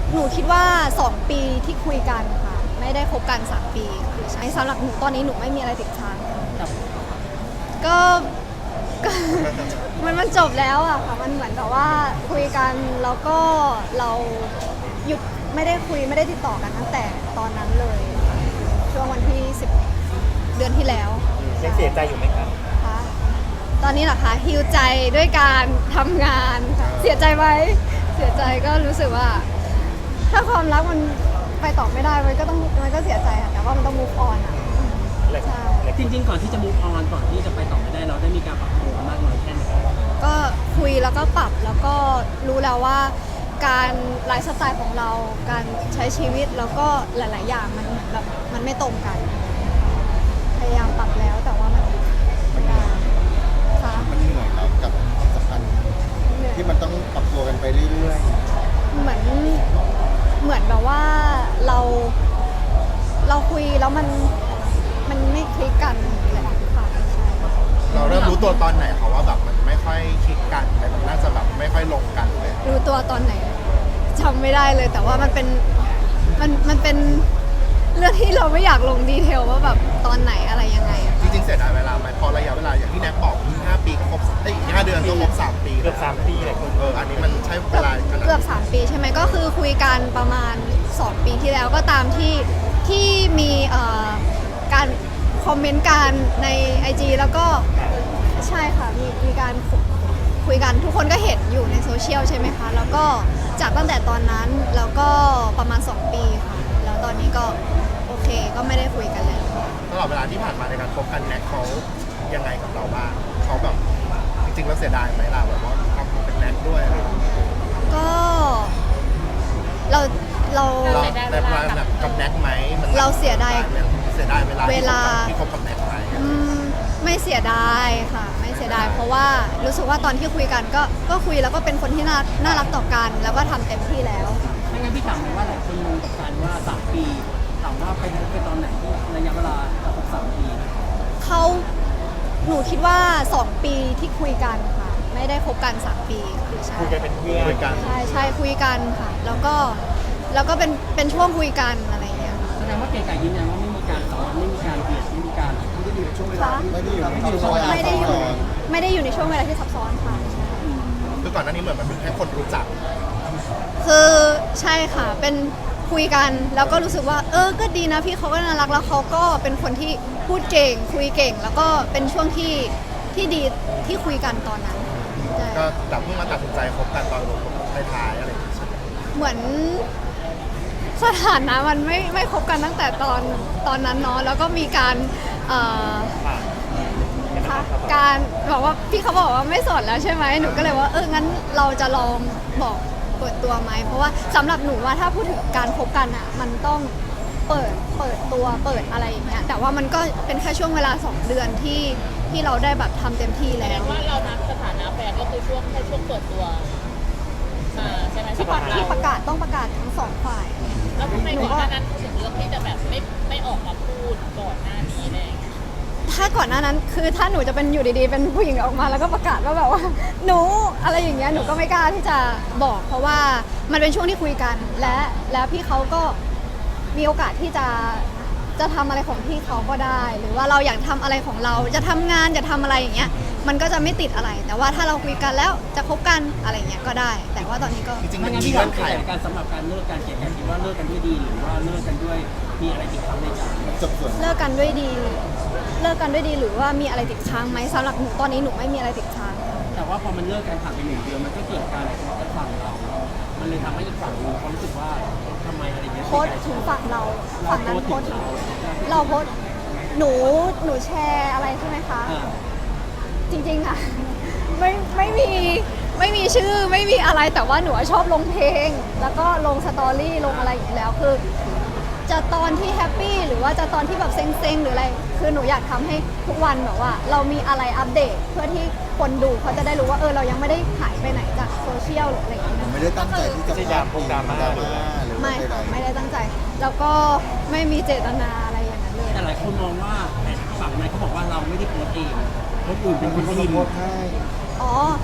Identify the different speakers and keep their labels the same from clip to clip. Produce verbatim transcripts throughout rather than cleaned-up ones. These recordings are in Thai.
Speaker 1: หนูคิดว่าสองปีที่คุยกันค่ะไม่ได้คบกันสามปีค่ะใช่สำหรับหนูตอนนี้หนูไม่มีอะไรติดค้างค่ะก็ก็ มันมันจบแล้วอะค่ะมันเหมือนแบบว่าคุยกันแล้วก็เราหยุดไม่ได้คุยไม่ได้ติดต่อกันตั้งแต่ตอนนั้นเลยค่ะช่วงวันที่สิบเดือนที่แล้ว
Speaker 2: ยังเสียใจอยู่ไหมครับ
Speaker 1: ค่ะตอนนี้เหรอคะฮิวใจด้วยการทำงานค่ะเสียใจไหมเสียใจก็รู้สึกว่า ถ้าความรักมันไปต่อไม่ได้มันก็ต้องมันก็เสียใจค่ะแต่ว่ามันต้อง move on อ่ะใช่
Speaker 3: จริงๆก่อนที่จะ move on ก่อนที่จะไปต่อไม่ได้เราได้มีการปรับตัวมากน้อยแค่ไหน
Speaker 1: ก็คุยแล้วก็ปรับแล้วก็รู้แล้วว่าการไลฟ์สไตล์ของเราการใช้ชีวิตแล้วก็หลาย ๆ อย่างมันเหมือนแบบมันไม่ตรงกัน พยายามปรับแล้วแต่ว่ามันไม่ได้ค่ะ
Speaker 4: มันเหนื่อยแล้วกับความสัมพันธ์
Speaker 1: เหนื่อย
Speaker 4: ที่มันต้องปรับตัวกันไปเรื่อย
Speaker 1: เหมือนเหมือนแบบว่าเราเราคุยแล้วมันมันไม่คลิกกันแหละค่ะใช่
Speaker 4: ๆ เราเริ่มรู้ตัวตอนไหนเขาว่าแบบมันไม่ค่อยคลิกกันเลยมันน่าจะแบบไม่ค่อยลงกันเลย
Speaker 1: รู้ตัวตอนไหนจำไม่ได้เลย แต่ว่ามันเป็นมันมันเป็นเรื่องที่เราไม่อยากลงดีเทลว่าแบบตอนไหนอะไรยังไงอะ
Speaker 4: จริงๆเสียดายเวลาไหมพอระยะเวลาอย่างที่แน็กบอกอีกห้าปีก็ครบเอ้ยอีกห้าเดือนก็ครบสามปี
Speaker 2: เกือบสามปีเลยคุณ
Speaker 4: เอออันนี้มันใช้เว
Speaker 1: เกือบ
Speaker 4: ลาขนาด
Speaker 1: เกือบสามปีใช่ไหมก็คือคุยกันประมาณสองปีที่แล้วก็ตามที่ที่มีเอ่อการคอมเมนต์กันใน ไอ จี แล้วก็ใช่ค่ะมีมีการคุคุยกันทุกคนก็เห็นอยู่ในโซเชียลใช่ไหมคะแล้วก็จากตั้งแต่ตอนนั้นแล้วก็ประมาณสองปีค่ะแล้วตอนนี้ก็โอเคก็ไม่ได้คุยกันแล้ว
Speaker 4: ตลอดเวลาที่ผ่านมาในการคบกันแน็กเขายังไงกับเราบ้างเขาแบบจริงๆแล้วเสียดายไหมล่ะแบบว่าทำเป็นแน็กด้วยอะไรอย่างเงี้ย
Speaker 1: ก็เราเรา
Speaker 4: เราในเวลาแบบกับแน็กไหมมัน
Speaker 1: เราเสียดาย
Speaker 4: เสียดายเวลา
Speaker 1: เวลา
Speaker 4: ที่คบกับแน็กไหม
Speaker 1: อืมไม่เสียดายค่ะ ไม่เสียดายเพราะว่ารู้สึกว่าตอนที่คุยกันก็ก็คุยแล้วก็เป็นคนที่น่าน่ารักต่อกัน แล้วก็ทำเต็มที่แล้ว
Speaker 3: ไม่งั้นพี่ถามเลยว่าหลายคนงงกับการว่าสามปีถามว่าไปพบกันตอนไหนที่ระยะเวลาครบสามปี
Speaker 1: เขาหนูคิดว่าสองปีที่คุยกันค่ะ ไม่ได้คบกันสามปีคือใช่
Speaker 2: คุยกันเป็นเพื่อน
Speaker 4: คุยกัน
Speaker 1: ใช่ใช่คุยกันค่ะ แล้วก็แล้วก็เป็นเป็นช่วงคุยกันอะไรอย่างเงี้ย
Speaker 3: แสดงว่าเก๋ไก่ยืนยันว่าไม่มีการซ้อนไม่มีการเบียดไม่มีการไม่ได้อยู่ในช่วงเวลา
Speaker 1: ค่ะ
Speaker 4: ไม่ได้อยู่ในช่วงเวลา
Speaker 1: ไม่ได้อยู่
Speaker 4: ซับซ้อน
Speaker 1: ไม่ได้อยู่ในช่วงเวลาที่ซับซ้อนค่ะ
Speaker 4: คือก่อนหน้านี้เหมือนมันเป็นแค่คนรู้จัก
Speaker 1: คือใช่ค่ะ เป็นคุยกันแล้วก็รู้สึกว่า เออ ก็ดีนะพี่เขาก็น่ารักแล้วเขาก็เป็นคนที่พูดเก่ง คุยเก่ง แล้วก็เป็นช่วงที่ที่ดีที่คุยกันตอนนั้นใช่
Speaker 4: ก็แต่เพิ่งมาตัดสินใจคบกันตอนลงท้ายๆอะไรอย่างเงี้ยใช่ไหม
Speaker 1: เหมือนสถานะมันไม่ไม่คบกันตั้งแต่ตอนตอนนั้นเนาะแล้วก็มีการเอ่อ
Speaker 2: ผ่าน
Speaker 1: ค่ะการบอกว่าพี่เขาบอกว่าไม่โสดแล้วใช่ไหมหนูก็เลยว่าเอองั้นเราจะลองบอกเปิดตัวไหมเพราะว่าสำหรับหนูว่าถ้าพูดถึงการคบกันอ่ะมันต้องเปิดเปิดตัวเปิดอะไรอย่างเงี้ยแต่ว่ามันก็เป็นแค่ช่วงเวลาสองเดือนที่ที่เราได้แบบทำเต็มที่แล้ว
Speaker 5: ว่าเรานับสถานะแฟนก็คือช่วงแค่ช่วงเปิดตัวมาใช่ไหม
Speaker 1: ที่
Speaker 5: สำห
Speaker 1: ป
Speaker 5: รับ
Speaker 1: ระ
Speaker 5: เรา
Speaker 1: ที่ประกาศต้องประกาศทั้งสองฝ่าย
Speaker 5: แล้วทำไมก่อนหน้านั้นถึงเลือกที่จะแบบไม่ไม่ออกมาพูดก่อนหน้านี้เลย
Speaker 1: ถ้าก่อนหน้านั้นคือถ้าหนูจะเป็นอยู่ดีๆ เป็นผู้หญิงออกมาแล้วก็ประกาศว่าแบบว่า หนูอะไรอย่างเงี้ยหนูก็ไม่กล้าที่จะบอก เพราะว่ามันเป็นช่วงที่คุยกัน และแล้วพี่เขาก็มีโอกาสที่จะจะทำอะไรของพี่เขาก็ได้ หรือว่าเราอยากทำอะไรของเราจะทำงานจะทำอะไรอย่างเงี้ยมันก็จะไม่ติดอะไร แต่ว่าถ้าเราคุยกันแล้วจะคบกันอะไรอย่างเงี้ยก็ได้ แต่ว่าตอนนี้ก็
Speaker 4: จริงๆ
Speaker 3: ไม่
Speaker 4: มัน
Speaker 3: งั้น
Speaker 4: มี
Speaker 3: พี่
Speaker 4: เงื่
Speaker 3: ถา
Speaker 4: อ
Speaker 3: ม
Speaker 4: นไข
Speaker 3: เก๋ไก่การสำหรับการเลิกการเก๋ไก่คิดว่าเลิกกันด้วยดีหรือว่าเลิกกันด้วยมีอะไรติดค้างในใจ
Speaker 4: จบส่วน
Speaker 1: เลิกกันด้วยดี เลิกกันด้วยดีหรือว่ามีอะไรติดค้างไหมสำหรับหนูตอนนี้หนูไม่มีอะไรติดค้าง
Speaker 3: แต่ว่าพอมันเลิกกันผ่านไปหนึ่งเดือนมันก็เกิดการทะเลาะกันฝั่งเรา มันเลยทำให้อีกฝั่งหนึงเขารู้สึกว่าทำไมอะไรเงี้ย
Speaker 1: โพสต์ถึงฝั่งเราฝั่งนั้นโพสต์ถึง
Speaker 3: เรา
Speaker 1: เราโพสต์หนูหนูแชร์อะไรใช่ไหมคะ
Speaker 3: อ่า
Speaker 1: จริงๆอะไม่ไม่มีไม่มีชื่อไม่มีอะไรแต่ว่าหนูชอบลงเพลง แล้วก็ลงสตอรี่ลงอะไรอย่างนี้แล้วคือ จะตอนที่แฮปปี้หรือว่าจะตอนที่แบบเซ็งๆหรืออะไรคือหนูอยากทำให้ทุกวันแบบว่า เรามีอะไรอัปเดตเพื่อที่คนดูเขาจะได้รู้ว่าเออเรายังไม่ได้หายไปไหนจากโซเชียลหรืออะไรอย่างเงี้ย
Speaker 4: ผม
Speaker 1: นะ
Speaker 4: ไม่ได้ตั้งใจที่จะ
Speaker 2: ไม่ใช่ดราม่าดราม่าหรืออะไร
Speaker 4: หรือ
Speaker 1: ไม่
Speaker 4: ว่าใด
Speaker 1: ค่ะ
Speaker 4: ๆ
Speaker 1: ไม่ได้ตั้งใจ แล้วก็ไม่มีเจตนาอะไรอย่างนั้นเลย
Speaker 3: แต่หลายคนมองว่าแต่ฝั่งนั้นเขาบอกว่าเราไม่ได้โพสต์เองคนอื่นเป็นคน
Speaker 4: คน
Speaker 3: พิม
Speaker 4: โพ
Speaker 3: พ์
Speaker 4: สต์ให้
Speaker 1: อ๋อ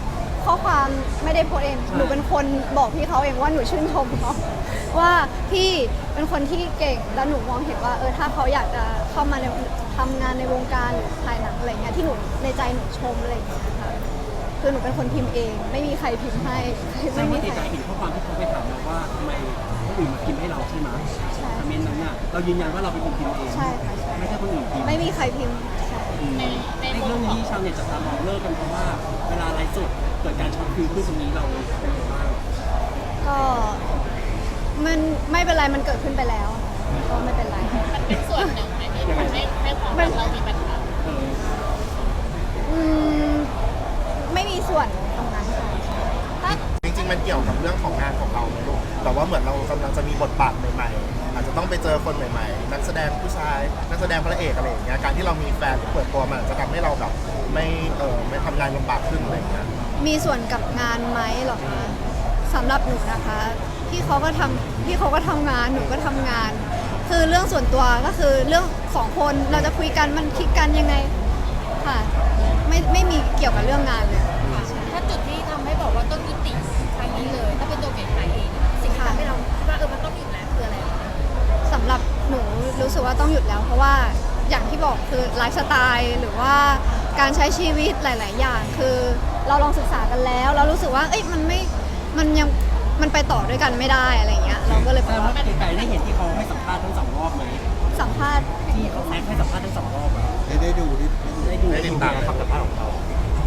Speaker 1: ข้อความไม่ได้โพสต์เองหนูเป็นคนบอกพี่เขาเองว่าหนูชื่นชมเขาว่าพี่เป็นคนที่เก่งแล้วหนูมองเห็นว่าเออถ้าเขาอยากจะเข้ามาในทำงานในวงการหรือถ่ายหนังอะไรเงี้ยที่หนูในใจหนูชมอะไรอย่างเงี้ยค่ะคือหนูเป็นคนพิมพ์เอง ไม่มีใครพิมพ์ให้
Speaker 3: แสด
Speaker 1: ไม่
Speaker 3: ง
Speaker 1: มี
Speaker 3: ว่า
Speaker 1: ใค
Speaker 3: ใจ
Speaker 1: ร
Speaker 3: เห็นข้อความที่เขาไปถามเราว่าทำไมคนอื่นมาพิมพ์ให้เราใช่ไหม
Speaker 1: ใช่
Speaker 3: คอมเมนต์นั้นน่ะเรายืนยันว่าเราเป็นคนพิมพ์เอง
Speaker 1: ใช่ค่ะใช่
Speaker 3: ไม่ใช่คนอื่นพิมพ์
Speaker 1: ไม่มีใครพิมพ์ใช่
Speaker 3: อืม
Speaker 5: ในใน
Speaker 3: ใน
Speaker 5: มุ
Speaker 3: เรื่อ
Speaker 5: ม
Speaker 3: ง
Speaker 5: ของ
Speaker 3: นี้ชาวเน็ตจับตามองเลิกกันเพราะว่าเวลาไลฟ์สดเกิดการช็อตฟิลขึ้นตรงนี้เราเป็นยังไงบ้าง
Speaker 1: ก็มันไม่เป็นไรมันเกิดขึ้นไปแล้วก็ไม่เป็นไร
Speaker 5: มันเป็นส่วนหนึ่งไหมที่ทำให้ให้ความรักเรามีปัญหา
Speaker 3: เออ
Speaker 1: อืมไม่มีส่วนตรงนั้นค่ะถ้า
Speaker 4: จริงๆมันเกี่ยวกับเรื่องของงานของเราไหมลูกแต่ว่าเหมือนเรากำลังจะมีบทบาทใหม่ๆอาจจะต้องไปเจอคนใหม่ๆนักแสดงผู้ชายนักแสดงพระเอกอะไรอย่างเงี้ยการที่เรามีแฟนหรือเปิดตัวมันอาจจะทำให้เราแบบไม่เออไม่ทำงานลำบากขึ้นอะไรอย่างเงี้ย
Speaker 1: มีส่วนกับงานไหมเหรอคะสำหรับหนูนะคะพี่เขาก็ทำพี่เขาก็ทำงานหนูก็ทำงาน คือเรื่องส่วนตัวก็คือเรื่องสองคนเราจะคุยกันมันคิดกันยังไงค่ะไม่ไม่มีเกี่ยวกับเรื่องงานเลย
Speaker 5: ถ้าจุดที่ทำให้บอกว่าต้องยุติครั้งนี้เลย ถ้าเป็นตัวเก๋ไก่เองสิ่งที่ทำให้เราคิดว่าเออมันต้องหยุดแล้วคืออะไร
Speaker 1: สำหรับหนูรู้สึกว่าต้องหยุดแล้ว เพราะว่าอย่างที่บอกคือไลฟ์สไตล์หรือว่าการใช้ชีวิตหลาย ๆ อย่าง คือเราลองศึกษากันแล้วเรารู้สึกว่าเอ้ยมันไม่มันยังมันไปต่อด้วยกันไม่ได้อะไรเงี้ยเราก็เลยบ
Speaker 3: แต่
Speaker 1: อก
Speaker 3: ว่า
Speaker 1: ว่า
Speaker 3: ไกลๆได้เห็นที่เขาให้สัมภาษณ์ทั้งสองรอบไหม
Speaker 1: สัมภาษณ์
Speaker 3: ที่เขาแม็กให้สัมภาษณ์ทั้งสองรอบอะ
Speaker 4: ได้ได้ดูได้ดู
Speaker 3: ได้ดู
Speaker 4: ได้ติดตาม
Speaker 2: คำสัมภาษณ์ของเรา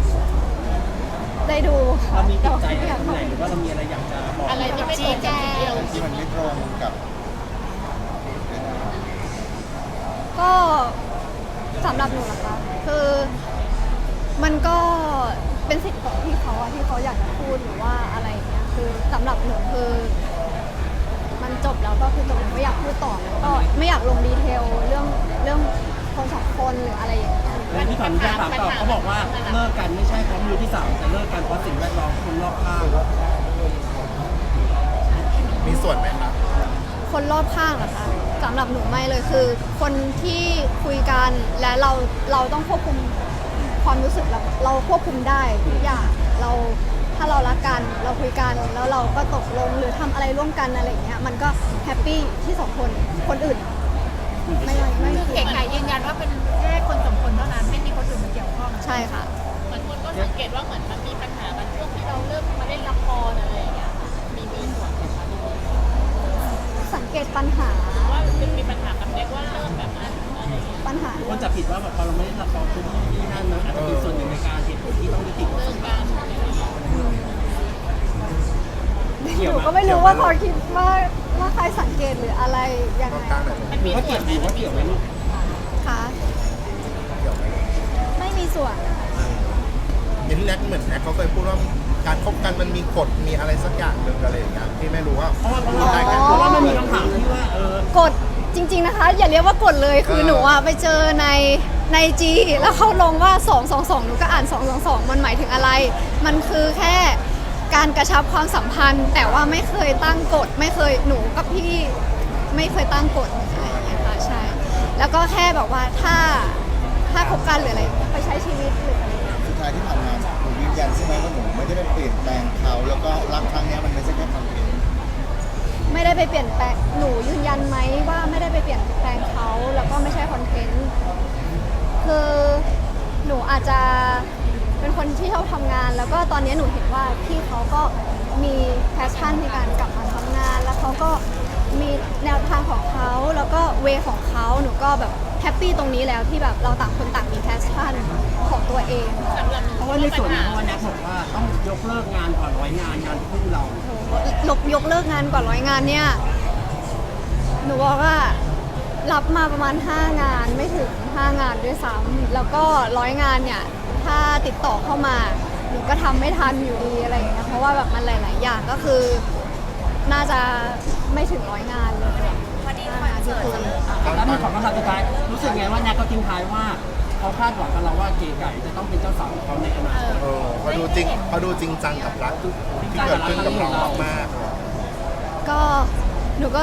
Speaker 1: ได้ดูค่ะ
Speaker 3: เรามีติดใจ
Speaker 1: แต่
Speaker 3: อะไร
Speaker 1: ว่า
Speaker 3: ตรงไหนหรือว่าเรามีอะไรอยากจะบอก
Speaker 5: อะไรที่ไม่ตรงกับสิ่งที่เราคิ
Speaker 4: ที่
Speaker 5: ด
Speaker 4: มันไม่ตรงกับ
Speaker 1: ก็สำหรับหนูนะคะคือมันก็เป็นสิทธิ์ของพี่เขาอะที่เขาอยากจะพูดหรือว่าอะไรอย่างเงี้ยคือสำหรับหนูคือ มันจบแล้วก็คือจบไม่อยากพูดต่อแล้วก็ไม่อยากลงดีเทลเรื่องเรื่องคนสองคนหรืออะไรอย่างเงี้ย
Speaker 3: และที่ผ่านมาถามต่อเขาบอกว่าเลิกกันไม่ใช่เพราะมือที่สามแต่เลิกกันเพราะสิ่งแวดล้อมคนรอบข้าง
Speaker 4: มีส่วนไหมครับ
Speaker 1: คนรอบข้างเหรอคะสำหรับหนูไม่เลยคือ คนที่คุยกันและเราเราต้องควบคุมความรู้สึกเราเราควบคุมได้ทุกอย่างเราถ้าเรารักกันเราคุยกันแล้วเราก็ตกลงหรือทำอะไรร่วมกันอะไรอย่างเงี้ยมันก็แฮปปี้ที่สองคนคนอื่นไม่ไม่ไม่
Speaker 5: คือ
Speaker 1: เกี่
Speaker 5: เก๋
Speaker 1: ยว
Speaker 5: ไก่ยืนยันว่าเป็นแค่คนสองคนเท่านั้นไม่มีคนอื่นมาเกี่ยวข้อง
Speaker 1: ใช่ค่ะ
Speaker 5: เหมือนคนก็สังเกตว่าเหมือนมันมีปัญหากันช่วงที่เราเริ่มมาเล่นละครอะไรอย่างเงี้ยมีมีส่วนไหมคะ
Speaker 1: สังเกตปัญหา
Speaker 5: ว่ามันมีปัญหากับเด็กว่าเริ่มแบบนั้นอะไรอย่างเงี้ย
Speaker 1: ปัญหา
Speaker 3: คนจะผิดว่าแบบพอเราไม่ได้ละครทุกที่นั่นมันอาจจะเป็นส่วนหนึ่งในการเหตุผลที่ต้องยุติความ
Speaker 5: เรื่
Speaker 3: สั
Speaker 5: อง
Speaker 3: มพั
Speaker 5: กาน ร
Speaker 3: ธ์
Speaker 1: หนูก็ไม่รู้ว่าพอคิดว่าว่าใครสังเกตหรืออะไรยัง
Speaker 4: รอบ
Speaker 1: ไง
Speaker 4: ข้างไหน
Speaker 5: มัน
Speaker 3: หรื
Speaker 5: มี
Speaker 3: อว่า
Speaker 5: ส่
Speaker 3: เกี่
Speaker 5: วย น
Speaker 3: ว
Speaker 5: ไหม
Speaker 3: หรือ
Speaker 5: มั
Speaker 3: ว่าน
Speaker 5: มี
Speaker 3: เกี่ยว
Speaker 5: ส่
Speaker 3: ไหม
Speaker 5: วน
Speaker 3: ลูก
Speaker 1: ค่ะ
Speaker 4: เกี่ยวไหม
Speaker 1: ไม่มีส่วน
Speaker 4: อย่างที่แน็กเหมือนแน็กเขาเคยพูดว่าการคบกันมันมีกฎมีอะไรสักอย่างหนึ่งอะไรอย่างเงี้ยที่ไม่รู้ว่า
Speaker 3: เพราะว่าเพราะ
Speaker 4: พูดได้แค่
Speaker 3: ว่าเพราะว่ามันมีคำถามที่ว่าเออก
Speaker 1: ดจริง ๆนะคะ อย่าเรียกว่ากดเลยคือ
Speaker 4: เออ
Speaker 1: หนูอะไปเจอในในจีแล้วเขาลงว่าสอง สอง สองหนูก็อ่านสอง สอง สองมันหมายถึงอะไร มันคือแค่การกระชับความสัมพันธ์ แต่ว่าไม่เคยตั้งกฎไม่เคยหนูกับพี่ไม่เคยตั้งกฎอะไรอย่างเงี้ยค่ะใช่แล้วก็แค่แบบว่าถ้าถ้าคบกันหรืออะไรไปใช้ชีวิตหรืออะไร
Speaker 6: สุดท้ายที่ผ่านมาหนูยืนยันใช่ไหมว่าหนูไม่ได้ไปเปลี่ยนแปลงเขาแล้วก็รักครั้งเนี้ยมันไม่ใช่แค่คอนเทนต์
Speaker 1: ไม่ได้ไปเปลี่ยนแปลงหนูยืนยันไหมว่าไม่ได้ไปเปลี่ยนแปลงเขาแล้วก็ไม่ใช่คอนเทนต์คือหนูอาจจะเป็นคนที่ชอบทำงาน แล้วก็ตอนนี้หนูเห็นว่าพี่เขาก็มีแพชชั่นในการกลับมาทำงาน แล้วเขาก็มีแนวทางของเขาแล้วก็เวของเขาหนูก็แบบแฮปปี้ตรงนี้แล้วที่แบบเราต่างคนต่างมีแพชชั่นของตัวเอง
Speaker 5: สำหรับหนู
Speaker 3: เพราะว่าในส่วนนี้เพราะว่าแน็กบอกว่าต้องยกเลิกงานก่อนร้อยงานงานคู่เรา
Speaker 1: ลบยกเลิกงานกว่าร้อยงานเนี่ย หนูบอกว่ารับมาประมาณ ห้างานไม่ถึง ห้างานด้วยซ้ำแล้วก็ร้อยงานเนี่ย ถ้าติดต่อเข้ามา หนูก็ทำไม่ทันอยู่ดีอะไรอย่างเงี้ยเพราะว่าแบบมันหลาย ๆ อย่างก็คือ น่าจะไม่ถึงร้อยงานเลยวันนี้คอนเสิร์ตจะเริ่ม
Speaker 3: แล้วมีของคำถามสุดท้ายรู้สึกไงว่าแน็กก็ทิ้งท้ายว่าเขาคาดหวังกับเราว่าเก๋ไก่จะต้องเป็นเจ้าสาวของเขาในอนาคต
Speaker 4: เออเขาดูจริงเขาดูจริงจังกับรักที่เกิดขึ้นกับเรามากๆ
Speaker 1: ก็หนูก็ท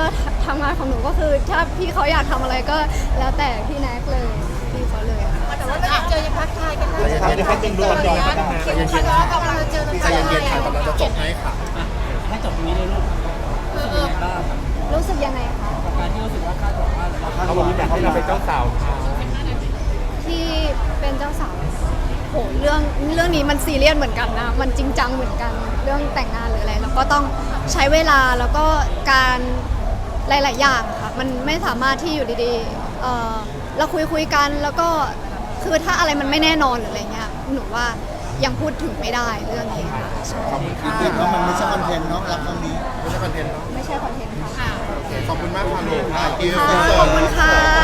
Speaker 1: ทำงานของหนูก็คือถ้าพี่เขาอยากทำอะไรก็แล้วแต่พี่แน็กเลยพี่เขาเลยค่ะ
Speaker 5: แต่ว่าเราเจอยังทักทายกันได้
Speaker 2: ครับเดี๋ยวให้จริงดูกันก่อนนะ
Speaker 5: คิวเขาล้อกำลังเจอ
Speaker 4: ใจเย็นๆค่ะกำลังจะจบให้ค่ะ
Speaker 3: อ่ะให้จบตรงนี้เลยลูก
Speaker 5: เอ
Speaker 3: รู้สึก
Speaker 5: อ
Speaker 3: ยังไงบ้าง
Speaker 1: รู้สึกยังไงคะ
Speaker 3: กับการที่รู้สึกว่าคาดหวังว่าเรา
Speaker 2: เขาบอกว่าอยากให้เราเป็นเจ้าสาวเขา
Speaker 1: ที่เป็นเจ้าสาวโหเรื่องเรื่องนี้มันซีเรียสเหมือนกันนะมันจริงจังเหมือนกันเรื่องแต่งงานหรืออะไรแล้วก็ต้องใช้เวลาแล้วก็การหลาย ๆ อย่างค่ะมันไม่สามารถที่อยู่ดีๆเอ่อเราคุยคุยกันแล้วก็คือถ้าอะไรมันไม่แน่นอนหรืออะไรเงี้ยหนูว่ายังพูดถึงไม่ได้เรื่องนี้ค่ะใช่
Speaker 4: ขอบคุณค่ะ
Speaker 6: คิดว่ามันไม่ใช่คอนเทนต์เนาะรักครั้งนี้
Speaker 4: ไม่ใช่คอนเทนต์เนาะ
Speaker 1: ไม่ใช่คอนเทนต์ค่ะ
Speaker 5: ค่ะ
Speaker 4: โอเคขอบคุณมากค่ะลูก Thank you
Speaker 1: ค่ะขอบคุณค่ะ